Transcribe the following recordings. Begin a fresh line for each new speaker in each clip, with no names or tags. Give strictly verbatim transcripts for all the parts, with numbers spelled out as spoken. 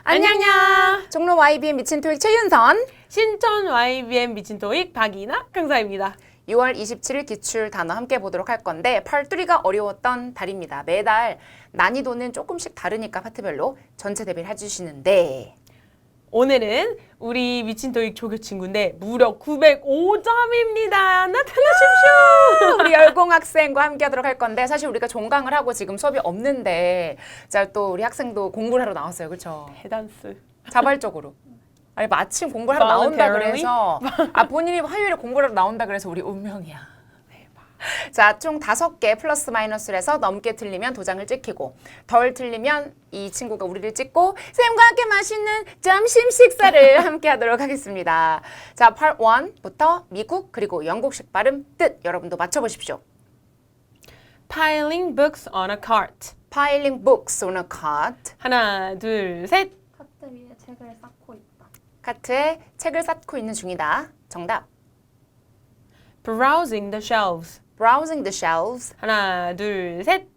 안녕요.
종로 와이비엠 미친 토익 최윤선.
신촌 와이비엠 미친 토익 박이나 강사입니다.
유월 이십칠일 기출 단어 함께 보도록 할 건데 팔뚜리가 어려웠던 달입니다. 매달 난이도는 조금씩 다르니까 파트별로 전체 대비를 해주시는데
오늘은 우리 미친 토익 조교 친구인데 무려 구백오 점입니다. 나타나십시오.
우리 열공 학생과 함께 하도록 할 건데 사실 우리가 종강을 하고 지금 수업이 없는데 자, 또 우리 학생도 공부를 하러 나왔어요. 그렇죠?
해단스.
자발적으로. 아니 마침 공부를 하러 나온다
Voluntarily?
그래서 아 본인이 화요일에 공부를 하러 나온다 그래서 우리 운명이야. 자, 총 다섯 개 플러스 마이너스를 해서 넘게 틀리면 도장을 찍히고 덜 틀리면 이 친구가 우리를 찍고 쌤과 함께 맛있는 점심 식사를 함께 하도록 하겠습니다. 자, 파트 일부터 미국 그리고 영국식 발음 뜻 여러분도 맞춰보십시오.
Piling books on a cart.
Piling books on a cart.
하나, 둘, 셋.
카트 위에 책을 쌓고 있다.
카트에 책을 쌓고 있는 중이다. 정답.
Browsing the shelves.
Browsing the shelves.
하나, 둘, 셋.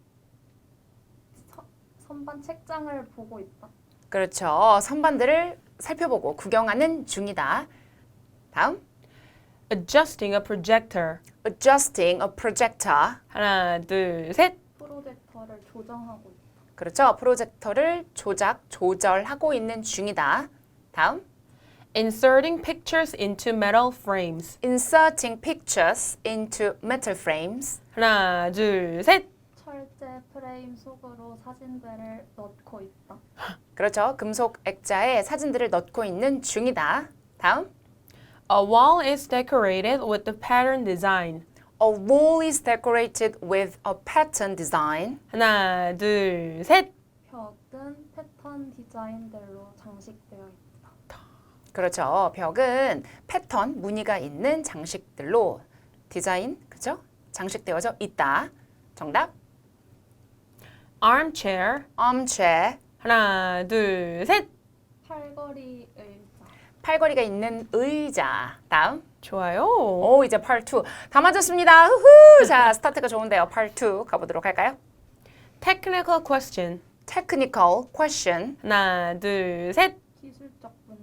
서, 선반 책장을 보고 있다.
그렇죠. 선반들을 살펴보고 구경하는 중이다. 다음.
Adjusting a projector.
Adjusting a projector.
하나, 둘, 셋.
프로젝터를 조정하고 있다.
그렇죠. 프로젝터를 조작, 조절하고 있는 중이다. 다음.
Inserting pictures into metal frames.
Inserting pictures into metal frames.
하나, 둘, 셋.
철제 프레임 속으로 사진들을 넣고 있다.
그렇죠. 금속 액자에 사진들을 넣고 있는 중이다. 다음.
A wall is decorated with the pattern design.
A wall is decorated with a pattern design.
하나, 둘, 셋.
벽은 패턴 디자인들로 장식되어 있다.
그렇죠. 벽은 패턴, 무늬가 있는 장식들로 디자인, 그죠? 장식되어져 있다. 정답.
Armchair.
armchair.
하나, 둘, 셋.
팔걸이 의자.
팔걸이가 있는 의자. 다음.
좋아요.
오, 이제 파트 이. 다 맞았습니다. 후후. 자, 스타트가 좋은데요. 파트 이 가보도록 할까요?
Technical question.
Technical question.
하나, 둘, 셋.
기술적 문제.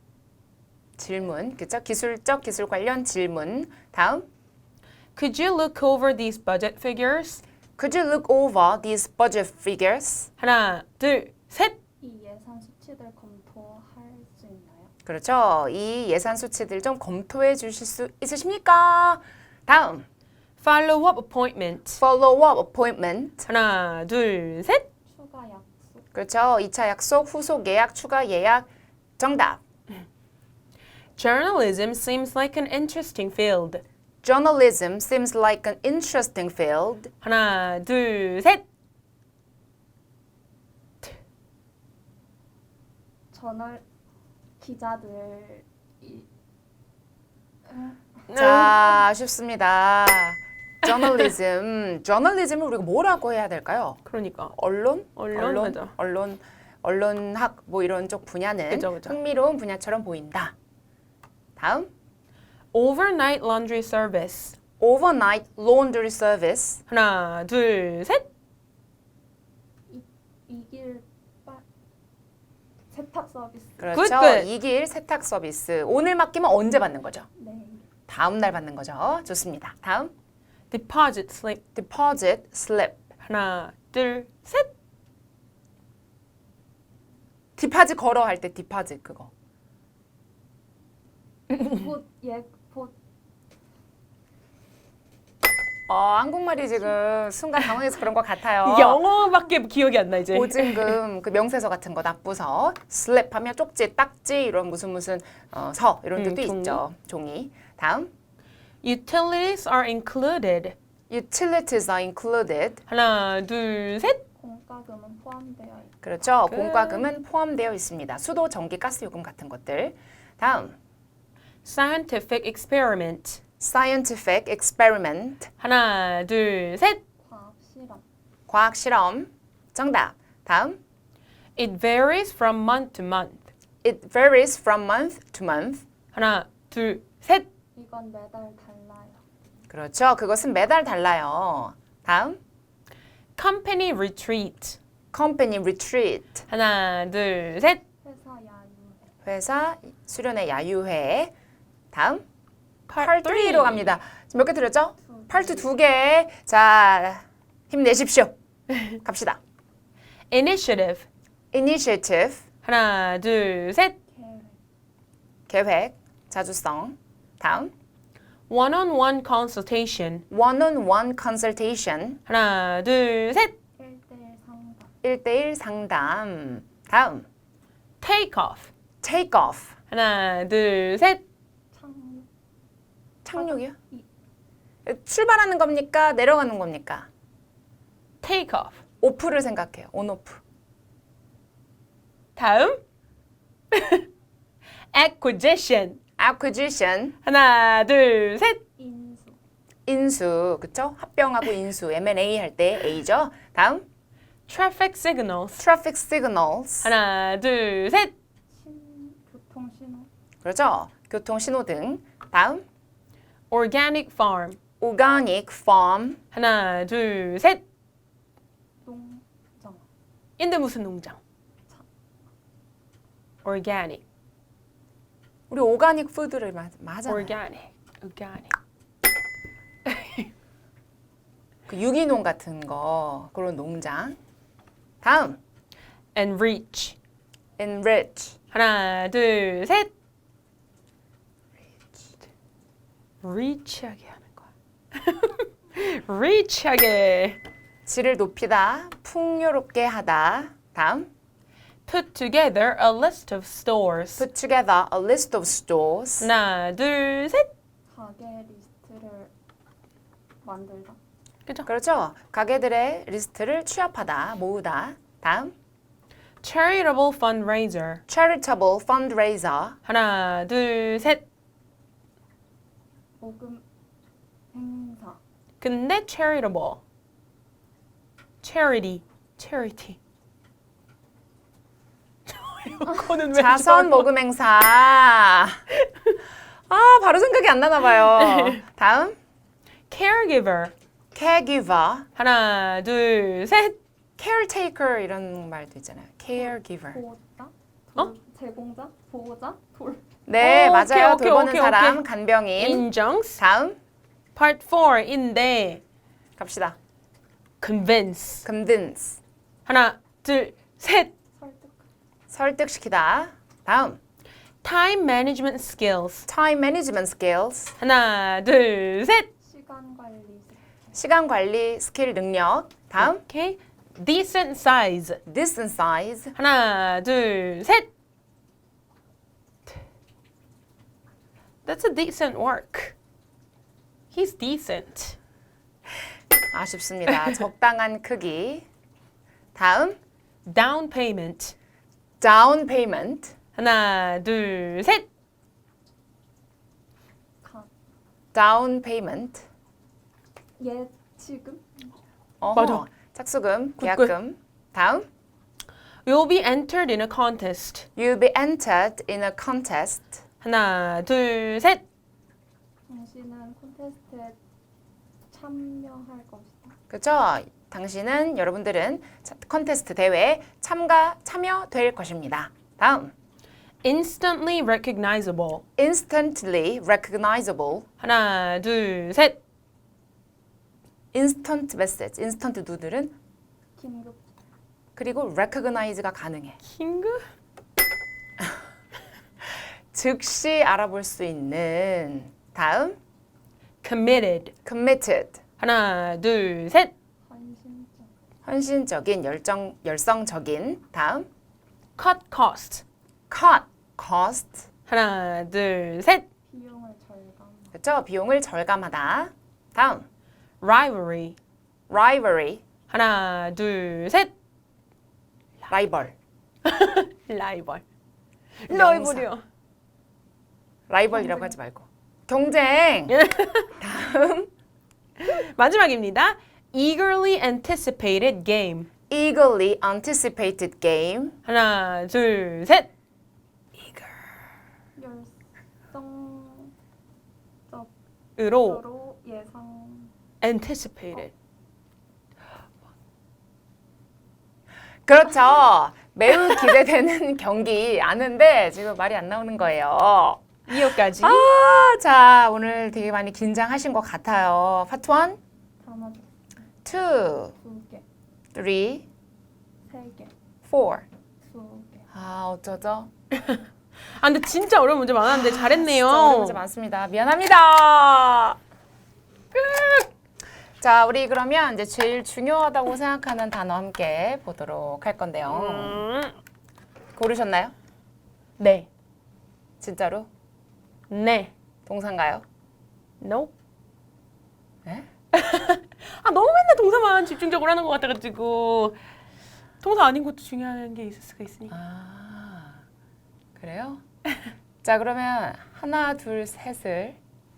질문. 그죠? 기술적, 기술 관련 질문. 다음.
Could you look over these budget figures?
Could you look over these budget figures?
하나, 둘, 셋.
이 예산 수치들 검토할 수 있나요?
그렇죠. 이 예산 수치들 좀 검토해 주실 수 있으십니까? 다음.
Follow-up appointment.
Follow-up appointment.
하나, 둘, 셋.
추가 약속.
그렇죠. 이 차 약속, 후속 예약, 추가 예약. 정답.
Journalism seems like an interesting field.
Journalism seems like an interesting field.
하나, 둘, 셋.
저널 기자들 이
자, 쉽습니다. Journalism. Journalism을 우리가 뭐라고 해야 될까요?
그러니까.
언론?
언론,
언론,
맞아.
언론, 언론학 뭐 이런 쪽 분야는
그죠, 그죠.
흥미로운 분야처럼 보인다. 다음.
Overnight laundry service.
Overnight laundry service.
하나, 둘, 셋.
이, 이길 빠 세탁 서비스.
그렇죠.
Good, good.
이길 세탁 서비스. 오늘 맡기면 언제 받는 거죠?
네.
다음 날 받는 거죠. 좋습니다. 다음.
Deposit slip.
Deposit slip.
하나, 둘, 셋.
디파짓 걸어 할 때 디파짓 그거.
곧예곧
어, 한국말이 지금 순간 당황해서 그런 것 같아요.
영어밖에 기억이 안 나 이제.
보증금 그 명세서 같은 거 납부서 슬랩 하면 쪽지, 딱지 이런 무슨 무슨 어, 서 이런
음,
뜻도
종이.
있죠. 종이. 다음.
Utilities are included.
Utilities are included.
하나, 둘, 셋.
공과금은 포함되어 있다.
그렇죠.
끝.
공과금은 포함되어 있습니다. 수도, 전기, 가스 요금 같은 것들. 다음.
Scientific experiment.
Scientific experiment.
하나, 둘, 셋.
과학 실험.
과학 실험. 정답. 다음.
It varies from month to month.
It varies from month to month.
하나, 둘, 셋.
이건 매달 달라요.
그렇죠. 그것은 매달 달라요. 다음.
Company retreat.
Company retreat.
하나, 둘, 셋.
회사
회사 수련회 야유회. 다음
Part
Part 삼로 갑니다. 지금 몇 개 들었죠? Part 두 개. 자, 힘내십시오. 갑시다.
Initiative.
Initiative.
하나, 둘, 셋.
계획,
계획. 자주성. 다음
One-on-one consultation.
One-on-one consultation.
하나, 둘, 셋.
일대일 상담,
일대일 상담. 다음
Take off.
Take off.
하나, 둘, 셋.
착륙,
착륙이요?
이.
출발하는 겁니까? 내려가는 겁니까?
Take off.
오프를 생각해요. 온오프.
다음. Acquisition.
Acquisition.
하나, 둘, 셋.
인수,
인수. 그쵸? 합병하고 인수. 엠 앤 에이 할 때 A죠. 다음
Traffic signals.
Traffic signals.
하나, 둘, 셋.
신, 교통신호,
그렇죠? 교통신호등. 다음
Organic farm.
Organic farm.
하나, 둘, 셋.
농장,
인데 무슨 농장? Organic.
우리 오가닉 푸드를 마, 맞아요.
Organic. Organic.
그 유기농 같은 거 그런 농장. 다음
Enrich.
enrich.
하나, 둘, 셋. Reach하게 하는 거야. Reach하게.
질을 높이다. 풍요롭게 하다. 다음
Put together a list of stores.
put together a list of stores.
하나, 둘, 셋.
가게 리스트를 만들다,
그죠?
그렇죠? 가게들의 리스트를 취합하다, 모으다. 다음
Charitable fundraiser.
charitable fundraiser.
하나, 둘, 셋.
모금 행사,
근데 charitable. Charity. Charity. 이거는 왜
자선
저러-
모금 행사. 아, 바로 생각이 안 나나 봐요. 다음
Caregiver.
caregiver.
하나, 둘, 셋.
caretaker 이런 말도 있잖아요. caregiver.
보호자,
어?
돌, 제공자, 보호자, 돌,
네,
오,
맞아요.
오케이,
돌보는
오케이,
사람,
오케이.
간병인.
인정스.
다음
Part four인데
갑시다.
convince.
convince.
하나, 둘, 셋.
설득,
설득시키다. 다음
Time management skills.
time management skills.
하나, 둘, 셋.
시간 관리, 습관,
시간 관리 스킬 능력. 다음
오케이. Decent size.
decent size.
하나, 둘, 셋. That's a decent work. He's decent.
아쉽습니다. 적당한 크기. 다음
Down payment.
down payment.
하나, 둘, 셋.
가,
down payment.
예치금,
어허,
맞아.
착수금,
굿,
계약금. 다음
You'll be entered in a contest.
you'll be entered in a contest.
하나, 둘, 셋.
당신은 콘테스트에 참여할 것이다,
그렇죠? 당신은 여러분들은 차- 컨테스트 대회에 참가 참여될 것입니다. 다음
Instantly recognizable.
instantly recognizable.
하나, 둘, 셋.
instant message. instant 누들은
긴급,
그리고 recognize가 가능해.
킹그?
즉시 알아볼 수 있는. 다음
Committed.
committed.
하나, 둘, 셋.
헌신적,
헌신적인, 열정, 열성적인. 다음
Cut cost.
cut cost.
하나, 둘, 셋.
비용을 절감,
그렇죠? 비용을 절감하다. 다음
Rivalry.
rivalry.
하나, 둘, 셋.
라이벌.
라이벌.
명사.
라이벌이요.
라이벌이라고 하지 말고 경쟁.
마지막입니다. Eagerly anticipated game.
eagerly anticipated game.
하나, 둘, 셋.
열성적으로
으로
예상,
anticipated.
그렇죠. 매우 기대되는 경기 아는데 지금 말이 안 나오는 거예요.
이어까지.
아, 자, 오늘 되게 많이 긴장하신 것 같아요. 파트 일,
단어
투,
두 개,
쓰리,
세 개,
포.
두 개.
아, 어쩌죠?
아 근데 진짜 어려운 문제 많았는데 잘했네요.
진짜 어려운 문제 많습니다. 미안합니다. 자, 우리 그러면 이제 제일 중요하다고 생각하는 단어 함께 보도록 할 건데요.
음,
고르셨나요?
네.
진짜로?
네.
동사인가요?
No.
네?
아 너무 맨날 동사만 집중적으로 하는 것 같아가지고 동사 아닌 것도 중요한 게 있을 수가 있으니까.
아, 그래요? 자, 그러면 하나, 둘, 셋을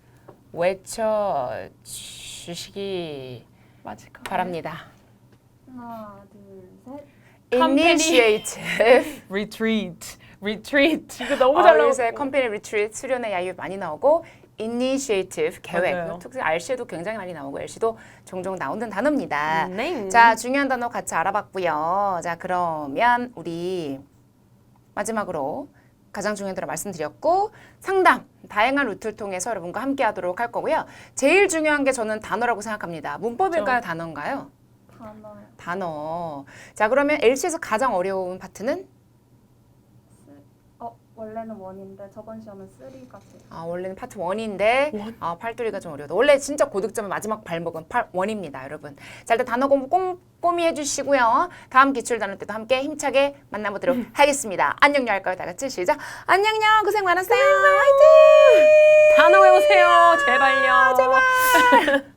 외쳐 주시기
맞을까?
바랍니다.
하나, 둘, 셋.
Initiative.
Retreat. Retreat. 이거 너무
어,
잘 나오고.
요새 컴퍼니 리트리트 수련회 야유 많이 나오고 initiative 계획.
맞아요.
특히 알씨도 굉장히 많이 나오고 엘씨도 종종 나오는 단어입니다.
네.
자, 중요한 단어 같이 알아봤고요. 자, 그러면 우리 마지막으로 가장 중요한 단어 말씀드렸고 상담, 다양한 루트를 통해서 여러분과 함께 하도록 할 거고요. 제일 중요한 게 저는 단어라고 생각합니다. 문법일까요?
그렇죠.
단어인가요?
단어
단어. 자, 그러면 엘씨에서 가장 어려운 파트는?
어 원래는 원인데 저번 시험은 쓰리가 제일.
아, 원래는 파트 일인데
원?
아, 팔뚜리가 좀 어려워. 원래 진짜 고득점의 마지막 발목은 팔 일입니다, 여러분. 자, 일단 단어 공부 꼼꼼히 해주시고요. 다음 기출 단어 때도 함께 힘차게 만나보도록 하겠습니다. 안녕요 할까요? 다 같이 시작. 안녕요. 고생 많았어요. 화이팅!
단어 외우세요. 제발요.
제발.